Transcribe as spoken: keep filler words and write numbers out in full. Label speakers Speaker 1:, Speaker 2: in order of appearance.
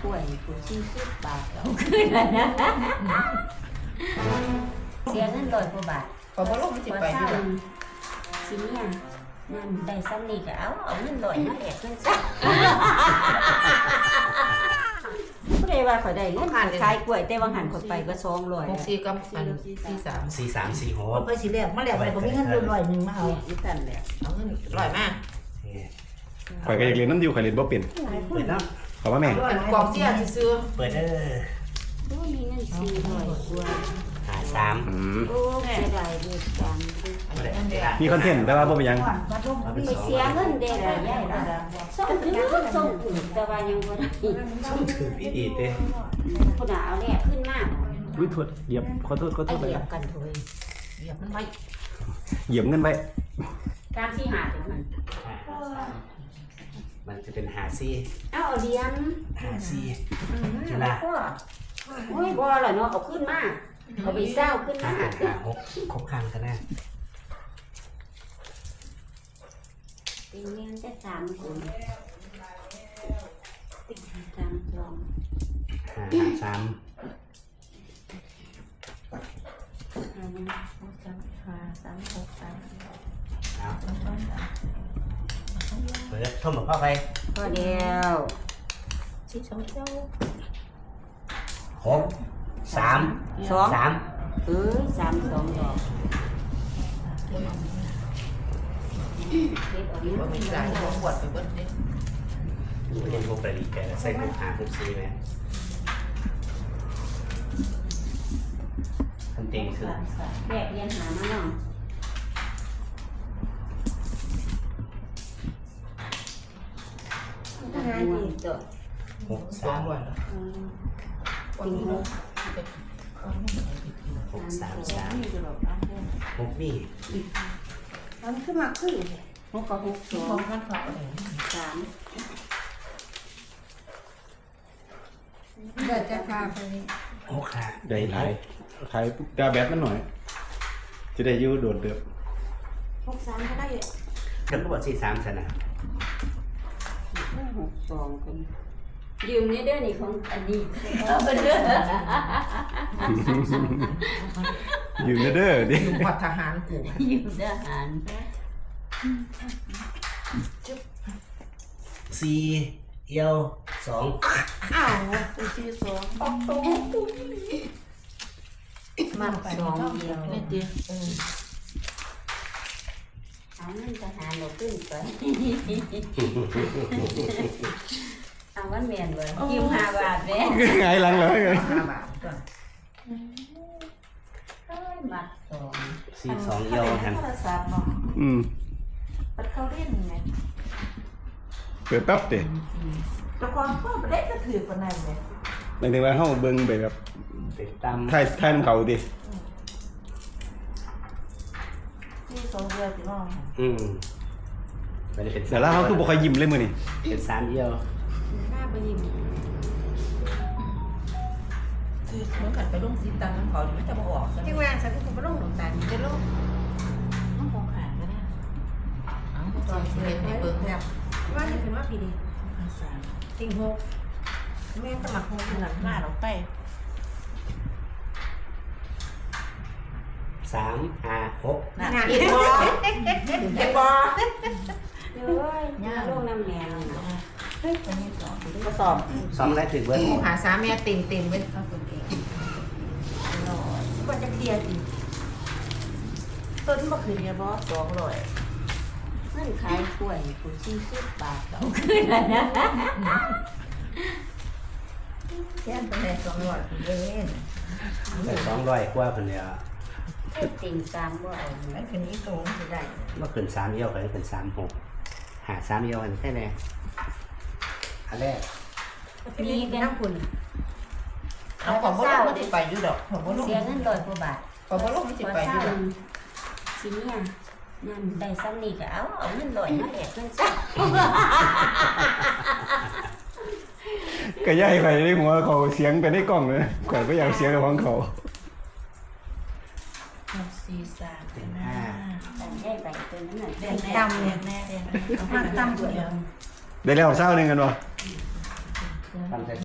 Speaker 1: กล้วยกูสี่สิบบาทเอาขึ้นแล้วนะเสียเงินร้อยกว่าบาท
Speaker 2: ขอบ่ลงมันสิไปอยู่
Speaker 1: สิเนี่ยนั่นได้ซ้ำนี่ก็เอาเอาเงินร้อยมาแลกเงินซะผู้ใดว่าเขาได้เงินขายกล้วยแต่ว่าหันคนไปก็สองร้อย
Speaker 2: หกสี่กับอันสี่สาม
Speaker 3: สี่สามสี่หก
Speaker 4: ไปสิแลกมาแลกไปก็มีเงินร้อยหนึ่งมาเอา
Speaker 1: อีตันแหละ
Speaker 2: เอาเงินร้อยมา
Speaker 5: ข่อยก็อยากเรียนน้ำดิวข่อยเรียนบ่เป็น
Speaker 3: เปิดแล้ว
Speaker 5: ขอว่าแม่
Speaker 2: อันกองเสียซื้อ
Speaker 3: เปิดเด้อ
Speaker 1: โอ้มีเงินสี่ร้อยกว่า
Speaker 3: หาสาม
Speaker 5: อืม
Speaker 1: โอ้เสียดายเด็กจัง
Speaker 3: ไม่ได้ไม่ได้
Speaker 5: มีคอนเทนต์แต่ว่าบ่เป็นหยัง
Speaker 1: ไปเสียเงินเด็กอะไรย่ายละส่งถึงส่งถึงแต่ว่ายังบ่ได้
Speaker 3: ช่องถือพี่ดีเต้
Speaker 1: ผู้หนาเอาแลกขึ้นมาก
Speaker 5: อุ้ยโทษเหยียบขอโทษขอโท
Speaker 1: ไอ
Speaker 5: ษไป
Speaker 1: เหยียบกันเถอะ
Speaker 2: เหยียบมันไว้
Speaker 5: เหยียบเงินไป
Speaker 1: การที่หาถึงมัน
Speaker 3: มันจะเป็นหาซี่
Speaker 1: เอาเอาเดียน
Speaker 3: หาซี่
Speaker 1: จุฬาโอ้ยบ่ล่ะเนาะเอาขึ้นมาเอาไปเศร้าขึ้น
Speaker 3: หา
Speaker 1: มา
Speaker 3: หาหกครบครันกันแน่
Speaker 1: เป็นเงินได้สามคนติดสามสอง
Speaker 3: หาหาสาม
Speaker 1: ห้าหนึ่งหกสามห้าสามหกสาม
Speaker 3: เอาเปิดท่มกับพ่อไป
Speaker 1: ก็เดียว
Speaker 2: สี่สองเจ้า
Speaker 3: หกสาม
Speaker 1: สอง
Speaker 3: สาม
Speaker 1: เออสามสองดอกเด็ดออก
Speaker 2: บ่มี
Speaker 1: นี้
Speaker 2: หลายบ่ปวดไปเบิดนี่
Speaker 3: เรียนพวกประดิษฐ์แกใส่หกหาหกสี่ไหมทำเต็งคือ
Speaker 1: แบกเรียนหามาเนาะทหารดีจ้ะ
Speaker 3: หก
Speaker 2: สอ
Speaker 3: สาง ม
Speaker 2: ร้อยแล้ว
Speaker 1: จริงเหรอ
Speaker 3: หกสามสามหกนี่
Speaker 4: มันขึ้นมาขึ้น
Speaker 1: หกกับหกสอ
Speaker 2: ของ งมันฝากอะไร
Speaker 1: สาม
Speaker 4: เดี๋ยวจะพาไป
Speaker 3: หกขา
Speaker 5: ได้หลายขายดาแบตมันหน่อย จะได้อยู่โดดเดือบ
Speaker 4: หกสามก็ได้
Speaker 3: กันก็บอกสี่สามชนะ
Speaker 1: หกสองกันยืมนี่เด้อนี่ของอดีตเอาไปเด้อ
Speaker 5: อยู่เด้อดิ
Speaker 2: อยู่วัดทหารกู
Speaker 1: ยืมทหาร
Speaker 3: สี่เอียวสอง
Speaker 4: อ้าวเป็นสี่สอง
Speaker 1: มาสองเดียว
Speaker 2: นี่ดิเออ
Speaker 1: เอาเงินทหารเราขึ้นไปเอาวันเมียนเลยยืมห้าบาทเด้
Speaker 5: ไงหลังเลย
Speaker 2: ห้าบาทก่อน
Speaker 1: มัดสอง
Speaker 3: สี่สองเอียวแฮม
Speaker 4: โทรศัพท์เนาะ
Speaker 5: อืม
Speaker 4: ปัดเขาเล่นไง
Speaker 5: เปิดแป๊บเด้
Speaker 4: แต่ความพ่อเด็กก็ถือคนนั้นเลย
Speaker 5: หมายถึงว่าเฮาเบิ่งไปแบบ
Speaker 3: ติดตาม
Speaker 5: ถ่ายถ่ายนำเขาดิ
Speaker 4: สี่สองเดียวสิน้อง
Speaker 3: อืมมันจะเป็น
Speaker 5: แต่ละเฮาคือบ่ค่อยยิ้มเลยมื้อนี้
Speaker 3: เป็นสามเอียว
Speaker 4: หน้าไปยิ้ม
Speaker 2: คือเหมือนกันไปลงสีตันน้ำเขาดิมันจะบ่ออกซะ
Speaker 4: ที่แหวนฉันก็ไม่ต้องหลงตาจะลูก
Speaker 2: น้ำของขาดก็ได้เอ้าตอนสิเฮ็ดให้เบิ่งแทบ
Speaker 4: ว่าจะเป็นว่าปีนี้
Speaker 2: ห้าสาม
Speaker 4: ติงหกแม่สมัครหกหลังหน้าเราไป
Speaker 3: สามห้าหก
Speaker 4: งานอีกบอเก็บบอ
Speaker 1: เอ้ยย่าลูกน้ำแมว
Speaker 4: เฮ้ยอันนี้สองก็สอบ
Speaker 3: สองได้ถึงเบิร์ด
Speaker 2: หาสามแม่เต็มเต็มๆเว้ย
Speaker 4: เอาคนเองร้อยก็จะเคลียร์สิต้นมะเขือเนี่ยบอสองร้อย
Speaker 1: เงินขายกล้วยกูสี่สิบบาทเอาขึ้นแล้วนะ
Speaker 4: แค่เป็นแค่สองร้อยเล่น
Speaker 3: แต่สองร้อยกว่าคนเดียว
Speaker 1: ไอ้ติ่งตามว่าเอา
Speaker 4: ไอ้คนนี้โตจะได้
Speaker 3: เมื่อคืนสามเอียวกันเป็นสามหกหาสามเอียวกันแค่ไหนอันแรก
Speaker 4: นี่น้ำคุณ
Speaker 2: เอาของบ่ลงมันสิไปอยู่ดอกของบ่ลง
Speaker 1: เสียเงินร้อยกว่าบาท
Speaker 2: ของบ่ลงมันสิไปอยู่ดอก
Speaker 1: สิเนี่ยนั่นได้ซ้ำนี่ก็เอาเอาเงินร้อยมาแลกเงินซะ
Speaker 5: ก็ย้ายไปในหัวเขาเสียงไปในกล้องเลยข่อยบ่อยากเสียงกับของเขา
Speaker 2: สี่สาม
Speaker 3: เป็นห้า
Speaker 1: แต่ได้ไปตัวนั้นน่ะ
Speaker 4: แดงดำเนี่ยแน่แดงดำด้วย
Speaker 5: ได้แล้วเช้านึงกันบ่
Speaker 3: ทำ